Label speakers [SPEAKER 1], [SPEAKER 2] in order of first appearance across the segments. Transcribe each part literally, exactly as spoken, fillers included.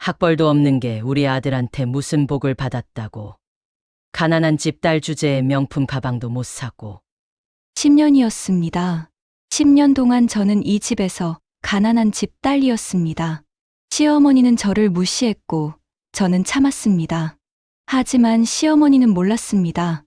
[SPEAKER 1] 학벌도 없는 게 우리 아들한테 무슨 복을 받았다고. 가난한 집 딸 주제에 명품 가방도 못 사고.
[SPEAKER 2] 십 년이었습니다. 십 년 동안 저는 이 집에서 가난한 집 딸이었습니다. 시어머니는 저를 무시했고 저는 참았습니다. 하지만 시어머니는 몰랐습니다.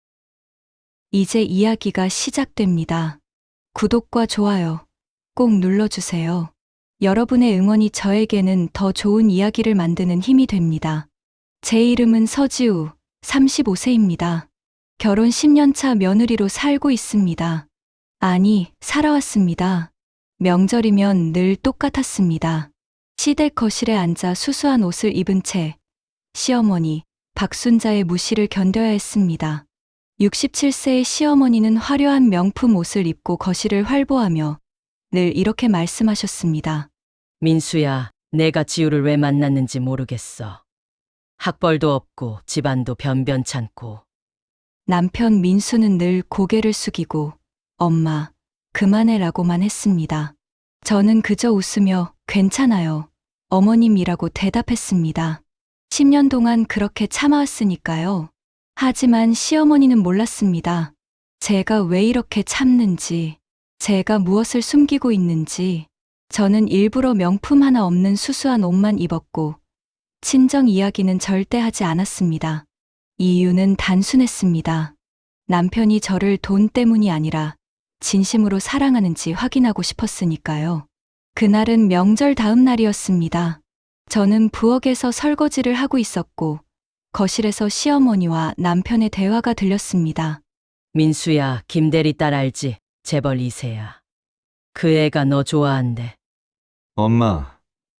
[SPEAKER 2] 이제 이야기가 시작됩니다. 구독과 좋아요 꼭 눌러주세요. 여러분의 응원이 저에게는 더 좋은 이야기를 만드는 힘이 됩니다. 제 이름은 서지우, 서른다섯 세입니다. 결혼 십 년 차 며느리로 살고 있습니다. 아니, 살아왔습니다. 명절이면 늘 똑같았습니다. 시댁 거실에 앉아 수수한 옷을 입은 채 시어머니 박순자의 무시를 견뎌야 했습니다. 육십칠 세의 시어머니는 화려한 명품 옷을 입고 거실을 활보하며 늘 이렇게 말씀하셨습니다.
[SPEAKER 1] 민수야, 내가 지우를 왜 만났는지 모르겠어. 학벌도 없고 집안도 변변찮고.
[SPEAKER 2] 남편 민수는 늘 고개를 숙이고 엄마, 그만해라고만 했습니다. 저는 그저 웃으며 괜찮아요. 어머님이라고 대답했습니다. 십 년 동안 그렇게 참아왔으니까요. 하지만 시어머니는 몰랐습니다. 제가 왜 이렇게 참는지, 제가 무엇을 숨기고 있는지. 저는 일부러 명품 하나 없는 수수한 옷만 입었고 친정 이야기는 절대 하지 않았습니다. 이유는 단순했습니다. 남편이 저를 돈 때문이 아니라 진심으로 사랑하는지 확인하고 싶었으니까요. 그날은 명절 다음 날이었습니다. 저는 부엌에서 설거지를 하고 있었고 거실에서 시어머니와 남편의 대화가 들렸습니다.
[SPEAKER 1] 민수야, 김대리 딸 알지? 재벌 이 세야. 그 애가 너 좋아한대.
[SPEAKER 3] 엄마,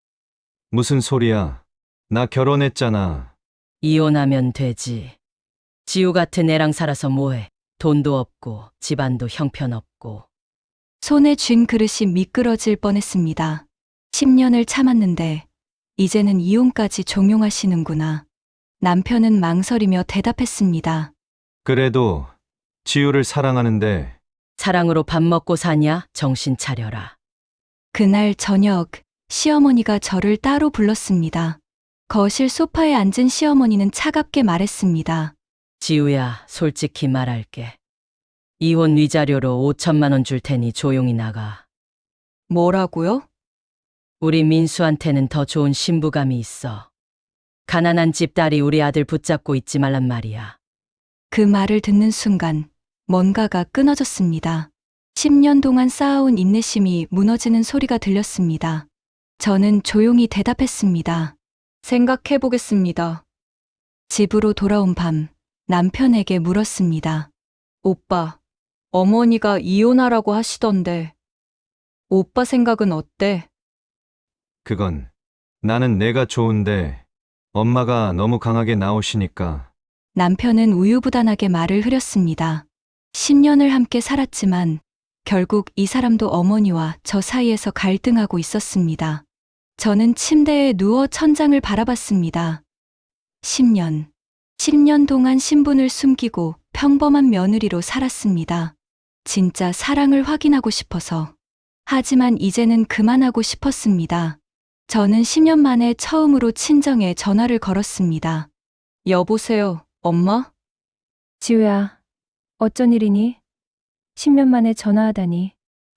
[SPEAKER 3] 무슨 소리야? 나 결혼했잖아.
[SPEAKER 1] 이혼하면 되지. 지우 같은 애랑 살아서 뭐해. 돈도 없고 집안도 형편없고.
[SPEAKER 2] 손에 쥔 그릇이 미끄러질 뻔했습니다. 십 년을 참았는데 이제는 이혼까지 종용하시는구나. 남편은 망설이며 대답했습니다.
[SPEAKER 3] 그래도 지우를 사랑하는데
[SPEAKER 1] 사랑으로 밥 먹고 사냐? 정신 차려라.
[SPEAKER 2] 그날 저녁 시어머니가 저를 따로 불렀습니다. 거실 소파에 앉은 시어머니는 차갑게 말했습니다.
[SPEAKER 1] 지우야, 솔직히 말할게. 이혼 위자료로 오천만 원 줄 테니 조용히 나가.
[SPEAKER 2] 뭐라고요?
[SPEAKER 1] 우리 민수한테는 더 좋은 신부감이 있어. 가난한 집 딸이 우리 아들 붙잡고 있지 말란 말이야.
[SPEAKER 2] 그 말을 듣는 순간 뭔가가 끊어졌습니다. 십 년 동안 쌓아온 인내심이 무너지는 소리가 들렸습니다. 저는 조용히 대답했습니다. 생각해보겠습니다. 집으로 돌아온 밤 남편에게 물었습니다. 오빠, 어머니가 이혼하라고 하시던데 오빠 생각은 어때?
[SPEAKER 3] 그건 나는 내가 좋은데 엄마가 너무 강하게 나오시니까.
[SPEAKER 2] 남편은 우유부단하게 말을 흐렸습니다. 십 년을 함께 살았지만 결국 이 사람도 어머니와 저 사이에서 갈등하고 있었습니다. 저는 침대에 누워 천장을 바라봤습니다. 십 년, 십 년 동안 신분을 숨기고 평범한 며느리로 살았습니다. 진짜 사랑을 확인하고 싶어서. 하지만 이제는 그만하고 싶었습니다. 저는 십 년 만에 처음으로 친정에 전화를 걸었습니다. 여보세요, 엄마?
[SPEAKER 4] 지우야, 어쩐 일이니? 십 년 만에 전화하다니.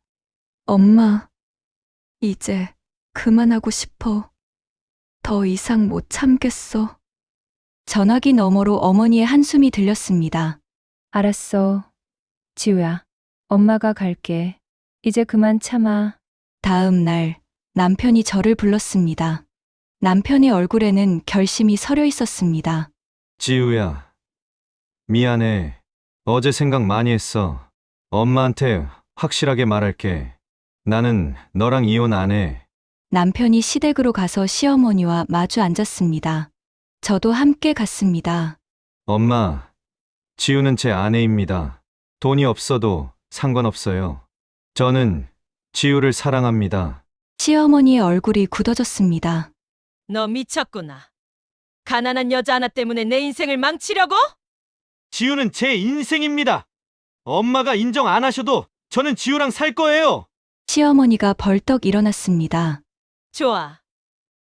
[SPEAKER 2] 엄마, 이제 그만하고 싶어. 더 이상 못 참겠어. 전화기 너머로 어머니의 한숨이 들렸습니다.
[SPEAKER 4] 알았어. 지우야, 엄마가 갈게. 이제 그만 참아.
[SPEAKER 2] 다음 날 남편이 저를 불렀습니다. 남편의 얼굴에는 결심이 서려 있었습니다.
[SPEAKER 3] 지우야, 미안해. 어제 생각 많이 했어. 엄마한테 확실하게 말할게. 나는 너랑 이혼 안 해.
[SPEAKER 2] 남편이 시댁으로 가서 시어머니와 마주 앉았습니다. 저도 함께 갔습니다.
[SPEAKER 3] 엄마, 지우는 제 아내입니다. 돈이 없어도 상관없어요. 저는 지우를 사랑합니다.
[SPEAKER 2] 시어머니의 얼굴이 굳어졌습니다.
[SPEAKER 1] 너 미쳤구나. 가난한 여자 하나 때문에 내 인생을 망치려고?
[SPEAKER 5] 지우는 제 인생입니다. 엄마가 인정 안 하셔도 저는 지우랑 살 거예요.
[SPEAKER 2] 시어머니가 벌떡 일어났습니다.
[SPEAKER 1] 좋아.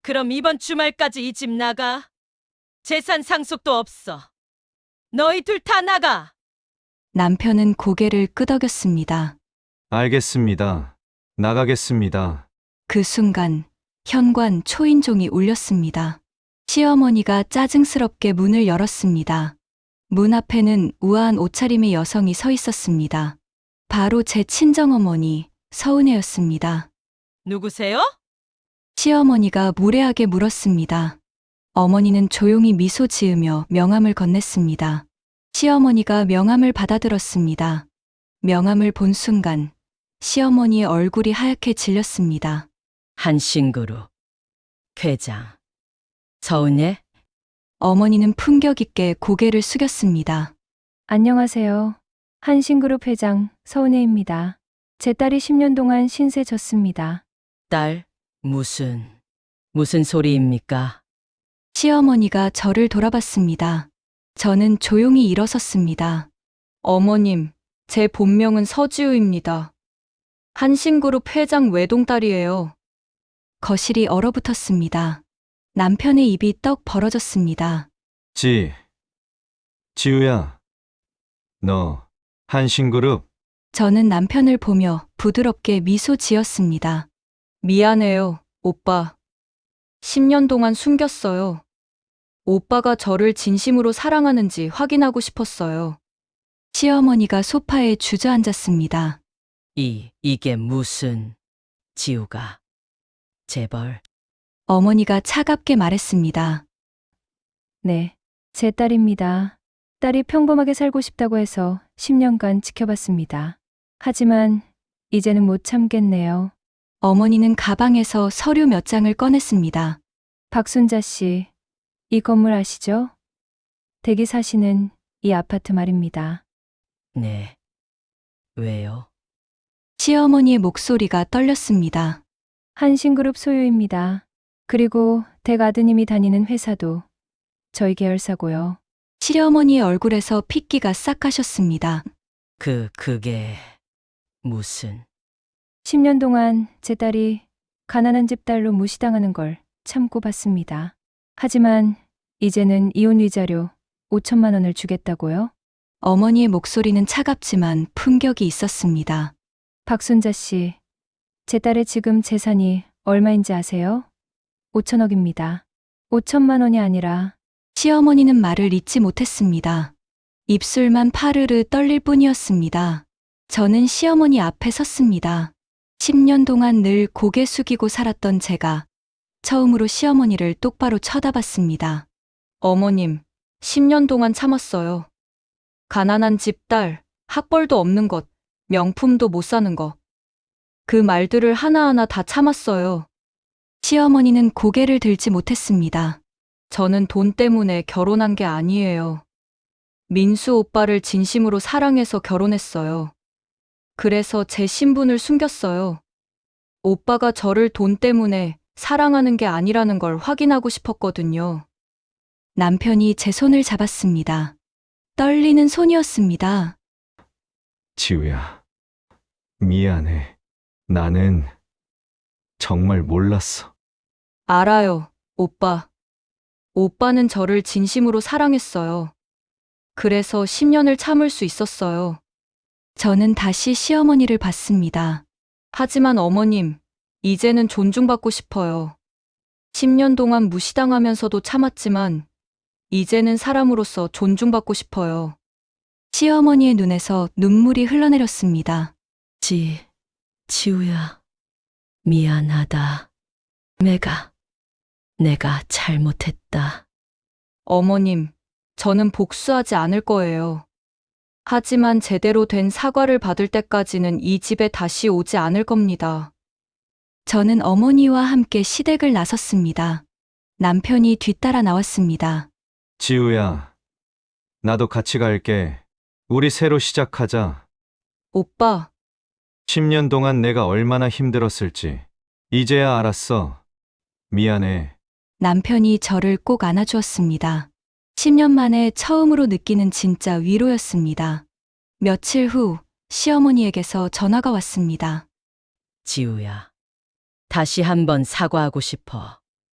[SPEAKER 1] 그럼 이번 주말까지 이 집 나가. 재산 상속도 없어. 너희 둘 다 나가.
[SPEAKER 2] 남편은 고개를 끄덕였습니다.
[SPEAKER 3] 알겠습니다. 나가겠습니다.
[SPEAKER 2] 그 순간 현관 초인종이 울렸습니다. 시어머니가 짜증스럽게 문을 열었습니다. 문 앞에는 우아한 옷차림의 여성이 서 있었습니다. 바로 제 친정어머니 서은혜였습니다.
[SPEAKER 1] 누구세요?
[SPEAKER 2] 시어머니가 무례하게 물었습니다. 어머니는 조용히 미소 지으며 명함을 건넸습니다. 시어머니가 명함을 받아들었습니다. 명함을 본 순간 시어머니의 얼굴이 하얗게 질렸습니다.
[SPEAKER 1] 한신그룹 회장 서은예?
[SPEAKER 2] 어머니는 품격 있게 고개를 숙였습니다.
[SPEAKER 4] 안녕하세요. 한신그룹 회장 서은혜입니다. 제 딸이 십 년 동안 신세 졌습니다.
[SPEAKER 1] 딸, 무슨, 무슨 소리입니까?
[SPEAKER 2] 시어머니가 저를 돌아봤습니다. 저는 조용히 일어섰습니다. 어머님, 제 본명은 서지우입니다. 한신그룹 회장 외동딸이에요. 거실이 얼어붙었습니다. 남편의 입이 떡 벌어졌습니다.
[SPEAKER 3] 지, 지우야. 너, 한신그룹?
[SPEAKER 2] 저는 남편을 보며 부드럽게 미소 지었습니다. 미안해요, 오빠. 십 년 동안 숨겼어요. 오빠가 저를 진심으로 사랑하는지 확인하고 싶었어요. 시어머니가 소파에 주저앉았습니다.
[SPEAKER 1] 이, 이게 무슨, 지우가. 재벌.
[SPEAKER 2] 어머니가 차갑게 말했습니다.
[SPEAKER 4] 네, 제 딸입니다. 딸이 평범하게 살고 싶다고 해서 십 년간 지켜봤습니다. 하지만 이제는 못 참겠네요.
[SPEAKER 2] 어머니는 가방에서 서류 몇 장을 꺼냈습니다.
[SPEAKER 4] 박순자 씨, 이 건물 아시죠? 댁이 사시는 이 아파트 말입니다.
[SPEAKER 1] 네. 왜요?
[SPEAKER 2] 시어머니의 목소리가 떨렸습니다.
[SPEAKER 4] 한신그룹 소유입니다. 그리고 댁 아드님이 다니는 회사도 저희 계열사고요.
[SPEAKER 2] 시어머니의 얼굴에서 핏기가 싹 가셨습니다.
[SPEAKER 1] 그, 그게, 무슨,
[SPEAKER 4] 십 년 동안 제 딸이 가난한 집 딸로 무시당하는 걸 참고 봤습니다. 하지만 이제는 이혼 위자료 오천만 원을 주겠다고요?
[SPEAKER 2] 어머니의 목소리는 차갑지만 품격이 있었습니다.
[SPEAKER 4] 박순자 씨, 제 딸의 지금 재산이 얼마인지 아세요? 오천억입니다. 오천만 원이 아니라
[SPEAKER 2] 시어머니는 말을 잇지 못했습니다. 입술만 파르르 떨릴 뿐이었습니다. 저는 시어머니 앞에 섰습니다. 십 년 동안 늘 고개 숙이고 살았던 제가 처음으로 시어머니를 똑바로 쳐다봤습니다. 어머님, 십 년 동안 참았어요. 가난한 집 딸, 학벌도 없는 것, 명품도 못 사는 것. 그 말들을 하나하나 다 참았어요. 시어머니는 고개를 들지 못했습니다. 저는 돈 때문에 결혼한 게 아니에요. 민수 오빠를 진심으로 사랑해서 결혼했어요. 그래서 제 신분을 숨겼어요. 오빠가 저를 돈 때문에 사랑하는 게 아니라는 걸 확인하고 싶었거든요. 남편이 제 손을 잡았습니다. 떨리는 손이었습니다.
[SPEAKER 3] 지우야. 미안해. 나는 정말 몰랐어.
[SPEAKER 2] 알아요, 오빠. 오빠는 저를 진심으로 사랑했어요. 그래서 십 년을 참을 수 있었어요. 저는 다시 시어머니를 봤습니다. 하지만 어머님, 이제는 존중받고 싶어요. 십 년 동안 무시당하면서도 참았지만, 이제는 사람으로서 존중받고 싶어요. 시어머니의 눈에서 눈물이 흘러내렸습니다.
[SPEAKER 1] 지, 지우야. 미안하다. 내가, 내가 잘못했다.
[SPEAKER 2] 어머님, 저는 복수하지 않을 거예요. 하지만 제대로 된 사과를 받을 때까지는 이 집에 다시 오지 않을 겁니다. 저는 어머니와 함께 시댁을 나섰습니다. 남편이 뒤따라 나왔습니다.
[SPEAKER 3] 지우야. 나도 같이 갈게. 우리 새로 시작하자.
[SPEAKER 2] 오빠,
[SPEAKER 3] 십 년 동안 내가 얼마나 힘들었을지. 이제야 알았어. 미안해.
[SPEAKER 2] 남편이 저를 꼭 안아주었습니다. 십 년 만에 처음으로 느끼는 진짜 위로였습니다. 며칠 후 시어머니에게서 전화가 왔습니다.
[SPEAKER 1] 지우야. 다시 한번 사과하고 싶어.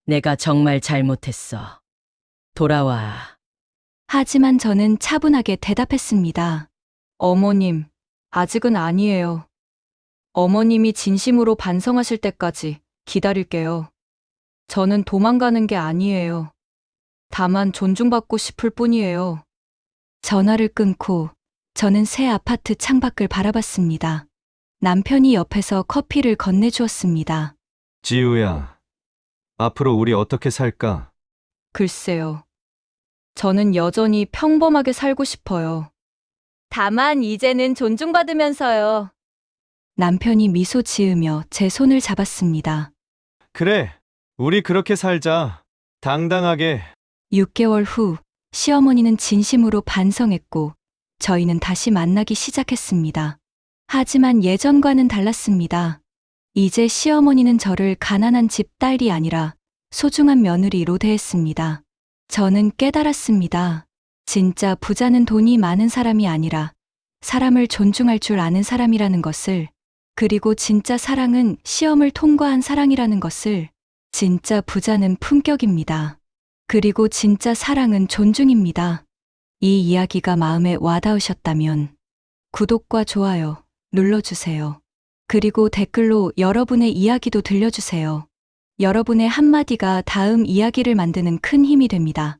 [SPEAKER 1] 내가 정말 잘못했어. 돌아와.
[SPEAKER 2] 하지만 저는 차분하게 대답했습니다. 어머님, 아직은 아니에요. 어머님이 진심으로 반성하실 때까지 기다릴게요. 저는 도망가는 게 아니에요. 다만 존중받고 싶을 뿐이에요. 전화를 끊고 저는 새 아파트 창밖을 바라봤습니다. 남편이 옆에서 커피를 건네주었습니다.
[SPEAKER 3] 지우야, 앞으로 우리 어떻게 살까?
[SPEAKER 2] 글쎄요. 저는 여전히 평범하게 살고 싶어요. 다만 이제는 존중받으면서요. 남편이 미소 지으며 제 손을 잡았습니다.
[SPEAKER 3] 그래, 우리 그렇게 살자. 당당하게.
[SPEAKER 2] 육 개월 후 시어머니는 진심으로 반성했고 저희는 다시 만나기 시작했습니다. 하지만 예전과는 달랐습니다. 이제 시어머니는 저를 가난한 집 딸이 아니라 소중한 며느리로 대했습니다. 저는 깨달았습니다. 진짜 부자는 돈이 많은 사람이 아니라 사람을 존중할 줄 아는 사람이라는 것을, 그리고 진짜 사랑은 시험을 통과한 사랑이라는 것을, 진짜 부자는 품격입니다. 그리고 진짜 사랑은 존중입니다. 이 이야기가 마음에 와닿으셨다면 구독과 좋아요 눌러주세요. 그리고 댓글로 여러분의 이야기도 들려주세요. 여러분의 한마디가 다음 이야기를 만드는 큰 힘이 됩니다.